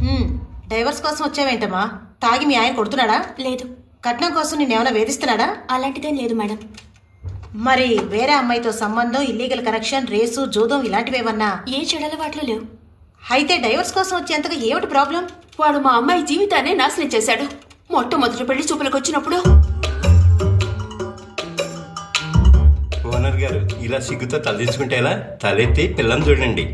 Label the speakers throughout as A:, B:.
A: Divorce కోసం వచ్చావేంటమ్మా? తాగి మీ ఆయన కొడుతున్నాడా?
B: లేదు.
A: కట్నం కోసం నిన్నేమైనా వేధిస్తున్నాడా?
B: అలాంటిదేం లేదు మేడం.
A: మరి వేరే అమ్మాయితో సంబంధం, ఇల్లీగల్ కనెక్షన్, రేసు, జూదం ఇలాంటివేమన్నా?
B: ఏ చెడలవాట్లు లేవు.
A: అయితే డైవర్స్ కోసం వచ్చేంతగా ఏమిటి ప్రాబ్లం?
B: వాడు మా అమ్మాయి జీవితాన్ని నాశనం చేశాడు. మొట్టమొదటి పెళ్లి చూపులకు వచ్చినప్పుడు.
C: ఓనర్ గారు ఇలా సిగ్గుతో తలదించుకుంటే ఎలా? తలెత్తి పిల్లని చూడండి.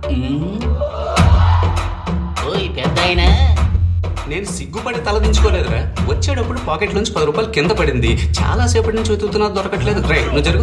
D: పెద్దాయనా,
E: నేను సిగ్గుపడి తలదించుకోలేదురా. వచ్చేటప్పుడు పాకెట్ నుంచి 10 రూపాయలు కింద పడింది. చాలా సేపటి నుంచి వెతుకుతున్నా దొరకట్లేదు. రైట్, నువ్వు జరుగు.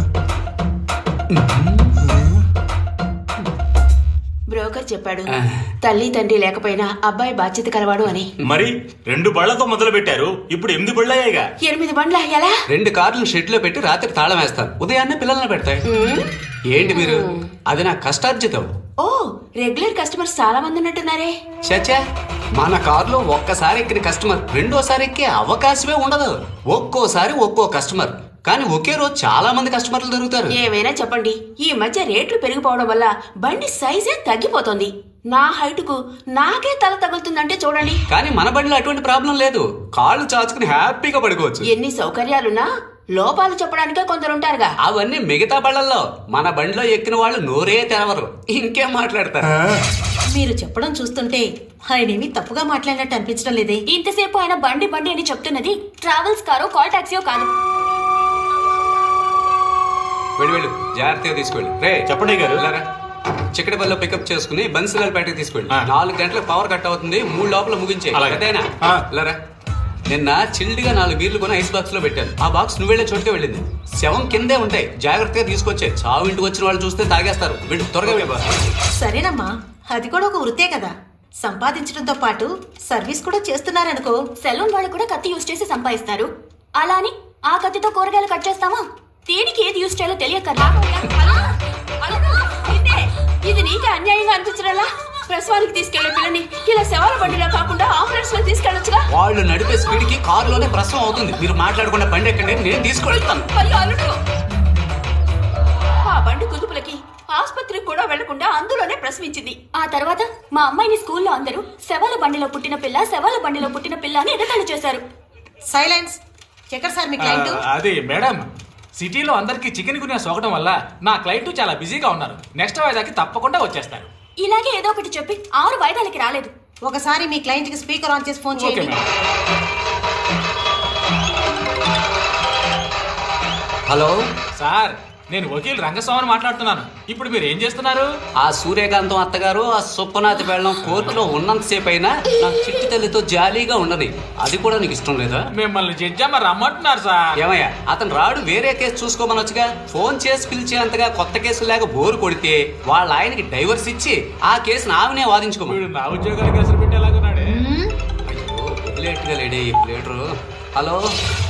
B: బ్రోకర్ చెప్పాడు తల్లి తండ్రి లేకపోయినా అబ్బాయి బాధ్యత కలవాడు అని.
F: మరి 2 బళ్లతో మొదలు పెట్టారు, ఇప్పుడు 8 బళ్ళయ్యాయిగా.
B: 8 బండ్ల ఎలా?
E: 2 కార్లు షెడ్ లో పెట్టి రాత్రి తాళం వేస్తాను, ఉదయాన్నే పిల్లల్ని పెడతాయి. ఏంటి మీరు? అది నా కష్టార్జితం.
B: ఓ, రెగ్యులర్ కస్టమర్స్ చాలా మంది ఉన్నట్టున్నారే.
E: చచ్చా, మన కారులో ఒక్కసారి ఎక్కిన కస్టమర్ రెండోసారి ఎక్కే అవకాశమే ఉండదు. ఒక్కోసారి ఒక్కో కస్టమర్, కానీ ఒకే రోజు చాలా మంది కస్టమర్లు దొరుకుతారు.
B: ఏమైనా చెప్పండి, ఈ మధ్య రేట్లు పెరిగిపోవడం వల్ల బండి సైజే తగ్గిపోతుంది. నా హైట్ కు నాకే తల తగులుతుందంటే చూడండి.
E: కానీ మన బండిలో అటువంటి ప్రాబ్లం లేదు. కాళ్ళు చాచుకుని హ్యాపీగా పడుకోవచ్చు.
B: ఎన్ని సౌకర్యాలున్నా లోపాలు చెప్పడానికే కొందరుంటారుగా.
E: అవన్నీ మిగతా బళ్ళల్లో. మన బండిలో ఎక్కిన వాళ్ళు నోరే తెరవరు, ఇంకేం మాట్లాడతారు.
A: మీరు చెప్పడం చూస్తుంటే ఆయనేమి తప్పుగా మాట్లాడినట్టు అనిపించడం లేదే.
B: ఇంతసేపు ఆయన బండి బండి అని చెప్తున్నది ట్రావెల్స్ కారో కాల్ టాక్సీయో కాదు.
E: వెళ్ళు, జాగ్రత్తగా తీసుకెళ్ళి. రే
F: చెప్పండి గారు.
E: చిక్కడపల్లిలో పికప్ చేసుకుని బన్సిలాల్పేటకి తీసుకెళ్ళి. 4 గంటలకు పవర్ కట్ అవుతుంది, 3 లోపల ముగించే. అదేనా? నిన్న చిల్డ్గా 4 బీర్లు కొని ఐస్ బాక్స్ లో పెట్టాను. ఆ బాక్స్ నువ్వు వెళ్లే చోటుకే వెళ్ళింది. శవం కిందే ఉంటాయి, జాగ్రత్తగా తీసుకొచ్చే. చావు ఇంటికి వచ్చిన వాళ్ళు చూస్తే తాగేస్తారు. వీళ్ళు త్వరగా వెళ్ళి.
A: సరేనమ్మా, అది కూడా ఒక వృత్తే కదా. సంపాదించడంతో పాటు సర్వీస్ కూడా చేస్తున్నారనుకో.
B: సెలూన్ వాళ్ళు కూడా కత్తి యూజ్ చేసి సంపాదిస్తారు. అలా అని ఆ కత్తితో కూరగాయలు కట్ చేస్తామా? దేనికి ఏది యూజ్ చేయాలో తెలియకరా. ఇది నీకే అన్యాయంగా అనిపించడలా? ప్రసవానికి తీసుకెళ్లే పిల్లని ఇలా శవాల బండిలో కాకుండా ఆంబులెన్స్ లో తీసుకెళ్ళొచ్చుగా.
E: వాళ్ళు నడిపే స్పీడ్ కి కారులోనే ప్రసవం అవుతుంది. మీరు మాట్లాడకుండా బండి ఎక్కండి, నేను తీసుకెళ్తాను.
B: ఆ బండి కుదుపులకి ఆసుపత్రికి కూడా వెళ్లకుండా అందులోనే ప్రసవించింది. ఆ తర్వాత మా అమ్మాయిని స్కూల్లో అందరూ శవాల బండిలో పుట్టిన పిల్ల అని ఎగతాళి చేశారు.
A: సైలెన్స్. చక్కర్ సార్, మీ క్లయింట్.
G: అది మేడం, సిటీలో అందరికి చికెన్ గునియా సోకడం వల్ల నా క్లయింట్ చాలా బిజీగా ఉన్నారు. నెక్స్ట్ వాయిదాకి తప్పకుండా వచ్చేస్తారు.
B: ఇలాగే ఏదో ఒకటి చెప్పి 6 వాయిదాలకి రాలేదు.
A: ఒకసారి మీ క్లయింట్ కి స్పీకర్ ఆన్ చేసి ఫోన్ చేయండి.
E: హలో
G: సార్, నేను వకీల్ రంగస్వామిని మాట్లాడుతున్నాను. ఇప్పుడు మీరు ఏం చేస్తున్నారు?
E: ఆ సూర్యకాంతం అత్తగారు, ఆ సుప్పనాథి పెళ్ళం కోర్టులో ఉన్నంతసేపు అయినా నా చిట్టి తల్లితో జాలీగా ఉండని. అది కూడా నీకు ఇష్టం లేదా?
G: మిమ్మల్ని జడ్జమ్మ రమ్మంటున్నారు సార్.
E: ఏమయ్యా, అతను రాడు, వేరే కేసు చూసుకోమనొచ్చుగా. ఫోన్ చేసి పిలిచేంతగా కొత్త కేసు లేక బోరు కొడితే వాళ్ళ ఆయనకి డైవర్స్ ఇచ్చి ఆ కేసును ఆమెనే వాదించుకోమని.
G: వీడు నా ఉద్యోగానికి ఎసరు పెట్టేలాగున్నాడే.
E: అయ్యో, వదిలేట్టుగా లేడే ఈ ప్లేటరు. హలో